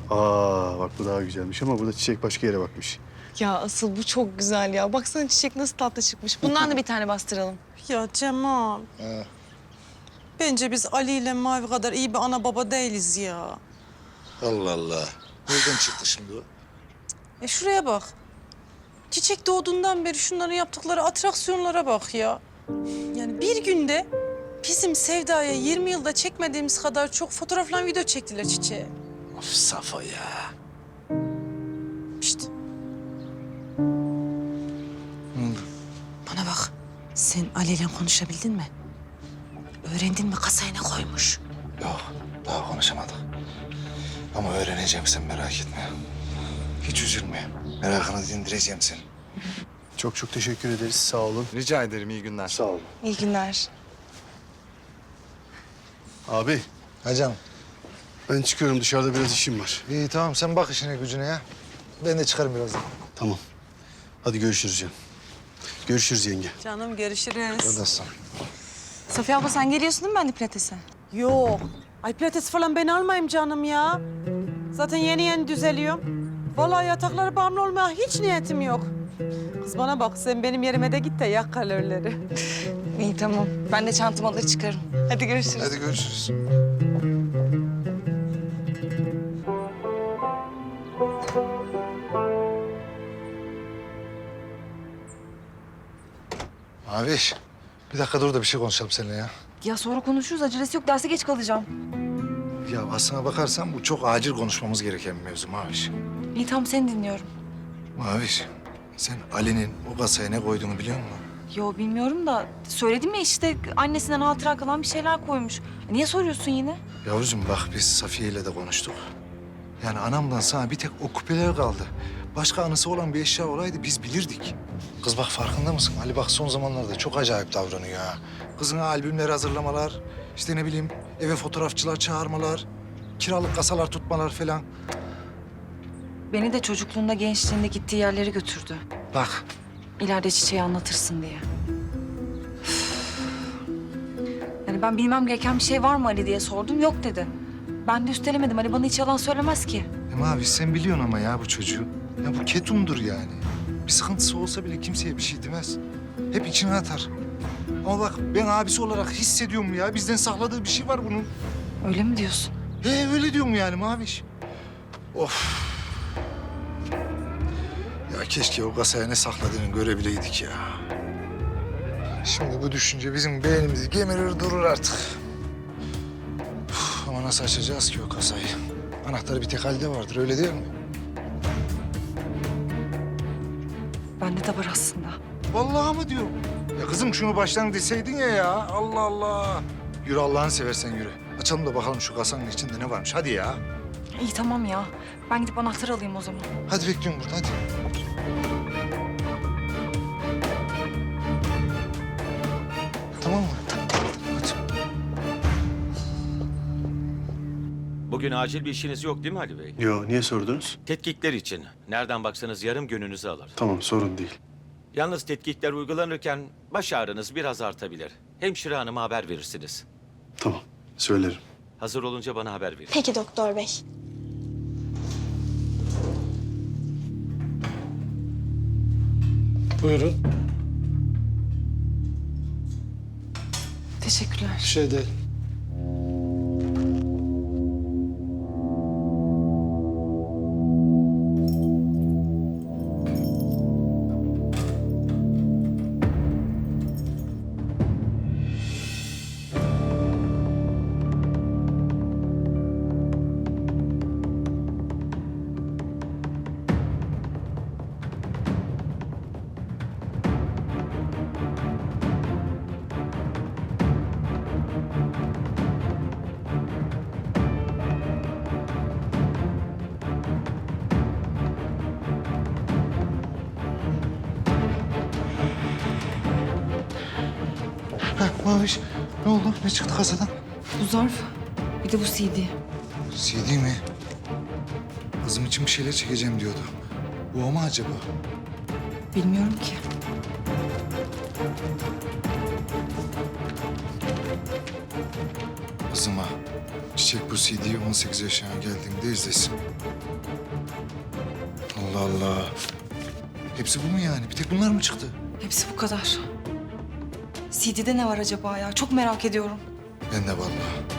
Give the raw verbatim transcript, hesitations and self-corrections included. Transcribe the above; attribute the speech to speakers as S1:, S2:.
S1: Aa bak bu daha güzelmiş ama burada çiçek başka yere bakmış.
S2: Ya asıl bu çok güzel ya. Baksana çiçek nasıl tatlı çıkmış. Bundan da bir tane bastıralım.
S3: Ya Cemal.
S4: He.
S3: Bence biz Ali ile Mavi kadar iyi bir ana baba değiliz ya.
S4: Allah Allah. Nereden çıktı şimdi o?
S3: E şuraya bak. Çiçek doğduğundan beri şunların yaptıkları atraksiyonlara bak ya. Yani bir günde bizim Sevda'ya yirmi yılda çekmediğimiz kadar çok fotoğrafla video çektiler çiçeğe.
S4: Of Safo ya.
S3: İşte
S4: Ne oldu?
S3: bana bak. Sen Ali ile konuşabildin mi? Öğrendin mi kasaya ne koymuş?
S4: Yok, daha konuşamadık. Ama öğreneceğim, sen merak etme. Hiç üzülme. Merakını dindireceğim seni.
S1: Çok çok teşekkür ederiz. Sağ olun.
S4: Rica ederim, iyi günler.
S1: Sağ olun.
S2: İyi günler.
S1: Abi
S4: Hocam,
S1: ben çıkıyorum, dışarıda biraz işim var.
S4: iyi tamam, sen bak işine gücüne ya. Ben de çıkarım birazdan.
S1: Tamam. Hadi görüşürüz canım. Görüşürüz yenge.
S3: Canım görüşürüz.
S4: Buradasın.
S2: Safiye abla sen geliyorsun değil mi ben de pilatese?
S3: Yok. Ay pilates falan ben almayayım canım ya. Zaten yeni yeni düzeliyorum. Vallahi yataklara bağımlı olmaya hiç niyetim yok. Kız bana bak sen benim yerime de git de yak kalorileri.
S2: İyi tamam. Ben de çantamı alır çıkarım. Hadi görüşürüz.
S4: Hadi görüşürüz. Maviş, bir dakika dur da bir şey konuşalım seninle ya.
S5: Ya sonra konuşuruz. Acelesi yok. Derse geç kalacağım.
S4: Ya aslına bakarsan bu çok acil konuşmamız gereken bir mevzu Maviş.
S5: İyi tamam seni dinliyorum.
S4: Maviş, sen Ali'nin o kasaya ne koyduğunu biliyor musun?
S5: Yo bilmiyorum da söyledim ya işte annesinden hatıra kalan bir şeyler koymuş. Niye soruyorsun yine?
S4: Yavrucuğum bak biz Safiye ile de konuştuk. Yani anamdan sana bir tek o küpeler kaldı. Başka anısı olan bir eşya olaydı biz bilirdik. Kız bak farkında mısın? Ali bak son zamanlarda çok acayip davranıyor ha. Kızına albümler hazırlamalar, işte ne bileyim eve fotoğrafçılar çağırmalar, kiralık kasalar tutmalar falan.
S5: Beni de çocukluğunda gençliğinde gittiği yerlere götürdü.
S4: Bak
S5: İleride çiçeği anlatırsın diye. Üf. Yani ben bilmem gereken bir şey var mı Ali diye sordum. Yok dedi. Ben de üstelemedim. Ali bana hiç yalan söylemez ki.
S4: Hem abi sen biliyorsun ama ya bu çocuğu. Ya bu ketumdur yani. Bir sıkıntısı olsa bile kimseye bir şey demez. Hep içine atar. Ama bak ben abisi olarak hissediyorum ya. Bizden sakladığı bir şey var bunun.
S5: Öyle mi diyorsun?
S4: He öyle diyorum yani Maviş. Of. Ya keşke o kasaya ne sakladığını görebileydik ya. Şimdi bu düşünce bizim beynimizi gemirir durur artık. Uf, ama nasıl açacağız ki o kasayı? Anahtarı bir tek halde vardır öyle değil mi?
S5: Bende de var aslında.
S4: Vallahi mı diyorum? Ya kızım şunu baştan deseydin ya ya. Allah Allah. Yürü Allah'ını seversen yürü. Açalım da bakalım şu kasanın içinde ne varmış. Hadi ya.
S5: İyi tamam ya. Ben gidip anahtarı alayım o zaman.
S4: Hadi bekliyorum burada hadi. Tamam mı? Hadi.
S6: Bugün acil bir işiniz yok değil mi Ali Bey?
S1: Yo, niye sordunuz?
S6: Tetkikler için. Nereden baksanız yarım gününüzü alır.
S1: Tamam, sorun değil.
S6: Yalnız tetkikler uygulanırken baş ağrınız biraz artabilir. Hemşire hanıma haber verirsiniz.
S1: Tamam, söylerim.
S6: Hazır olunca bana haber verin.
S7: Peki doktor bey.
S8: Buyurun.
S5: Teşekkürler.
S8: Bir şey değil.
S4: Heh, Maviş ne oldu? Ne çıktı kasadan?
S5: Bu zarf. Bir de bu C D.
S4: C D mi? Kızım için bir şeyler çekeceğim diyordu. Bu o mu acaba?
S5: Bilmiyorum ki.
S4: Kızıma Çiçek bu C D'yi on sekiz yaşına geldiğinde izlesin. Allah Allah. Hepsi bu mu yani? Bir tek bunlar mı çıktı?
S5: Hepsi bu kadar. C D'de ne var acaba ya? Çok merak ediyorum.
S4: Ben de vallahi.